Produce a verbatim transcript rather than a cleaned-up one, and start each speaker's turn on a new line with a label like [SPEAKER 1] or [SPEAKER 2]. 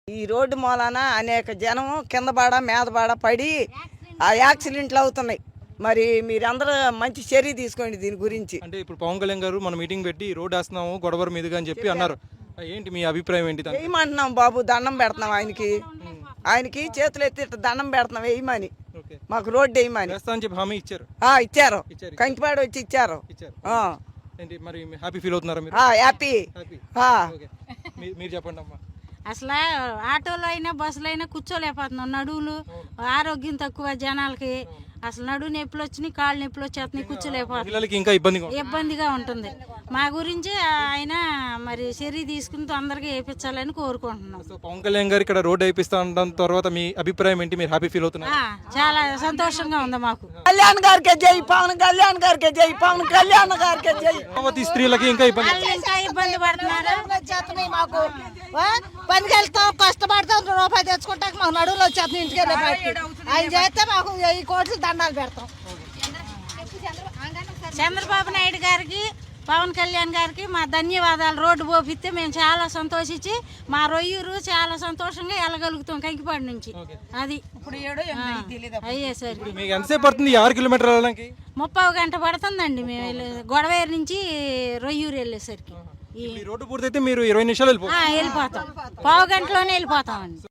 [SPEAKER 1] ఈ రోడ్డు మూలాన అనేక జనం కింద బాడ మీద బాడ పడి ఆ యాక్సిడెంట్లు అవుతున్నాయి. మరి మీరందరూ మంచి చర్య తీసుకోండి దీని గురించి.
[SPEAKER 2] అంటే ఇప్పుడు పవన్ కళ్యాణ్ గారు మన మీటింగ్ పెట్టి రోడ్ వేస్తున్నాము గొడవర మీదుగా అని చెప్పి అన్నారు. ఏంటి మీ అభిప్రాయం ఏంటి?
[SPEAKER 1] వేయమంటున్నాం బాబు, దండం పెడుతున్నాం ఆయనకి. ఆయనకి చేతులు ఎత్తి ఇట్ట దండం పెడుతున్నాం వేయమని, మాకు రోడ్డు వేయమని
[SPEAKER 2] అని చెప్పి హామీ ఇచ్చారు.
[SPEAKER 1] ఇచ్చారు, కంకిపాడు వచ్చి ఇచ్చారు.
[SPEAKER 2] ఏంటి మరి హ్యాపీ ఫీల్ అవుతున్నారా మీరు?
[SPEAKER 1] హ్యాపీ.
[SPEAKER 2] మీరు చెప్పండి అమ్మా.
[SPEAKER 3] అసలు ఆటోలో అయినా బస్సులో అయినా కూర్చోలేకపోతున్నాం, నడువులు ఆరోగ్యం తక్కువ జనాలకి. అసలు నడువు నొప్పులు వచ్చినాయి, కాళ్ళు నొప్పులు వచ్చేస్తున్నాయి, కూర్చోలేకపోతున్నాం,
[SPEAKER 2] ఇంకా
[SPEAKER 3] ఇబ్బందిగా ఉంటుంది. మా గురించి ఆయన మరి చర్య తీసుకుని తొందరగా వేయించాలని కోరుకుంటున్నాం.
[SPEAKER 2] పవన్ కళ్యాణ్ గారు ఇక్కడ రోడ్ వేయిస్తా ఉండడం తర్వాత మీ అభిప్రాయం ఏంటి? మీరు హ్యాపీ ఫీల్ అవుతున్నారు?
[SPEAKER 3] చాలా సంతోషంగా ఉంది మాకు.
[SPEAKER 1] కళ్యాణ్ గారికి జై, పవన్ కళ్యాణ్ గారికి జై, పవన్ కళ్యాణ్ గారికి జై.
[SPEAKER 2] స్త్రీలకి ఇంకా ఇబ్బంది
[SPEAKER 3] ఇంకా ఇబ్బంది పడుతున్నారు.
[SPEAKER 4] మాకు పనికి వెళ్తాం, కష్టపడతాం, రూపాయి తెచ్చుకుంటాక మాకు నడువులు వచ్చేస్తాం ఇంటికి వెళ్ళే బయటికి. ఆయన చేస్తే మాకు ఈ కోట్లు దండాలు పెడతాం.
[SPEAKER 3] చంద్రబాబు నాయుడు గారికి పవన్ కళ్యాణ్ గారికి మా ధన్యవాదాలు. రోడ్డు పోపిస్తే మేము చాలా సంతోషించి మా రొయ్యూరు చాలా సంతోషంగా వెళ్ళగలుగుతాం కంకిపాడు నుంచి. అది అయ్యేసరికి
[SPEAKER 2] మీకు ఎంతసేపు పడుతుంది ఆరు కిలోమీటర్లు వెళ్ళడానికి?
[SPEAKER 3] ముప్పై గంట పడుతుందండి మేము వెళ్ళే గొడవేరు నుంచి రొయ్యూరు వెళ్ళేసరికి.
[SPEAKER 2] రోడ్డు పూర్తయితే మీరు ఇరవై నిమిషాలు వెళ్ళిపోతాం,
[SPEAKER 3] వెళ్ళిపోతాం పావు గంటలోనే వెళ్ళిపోతామండి.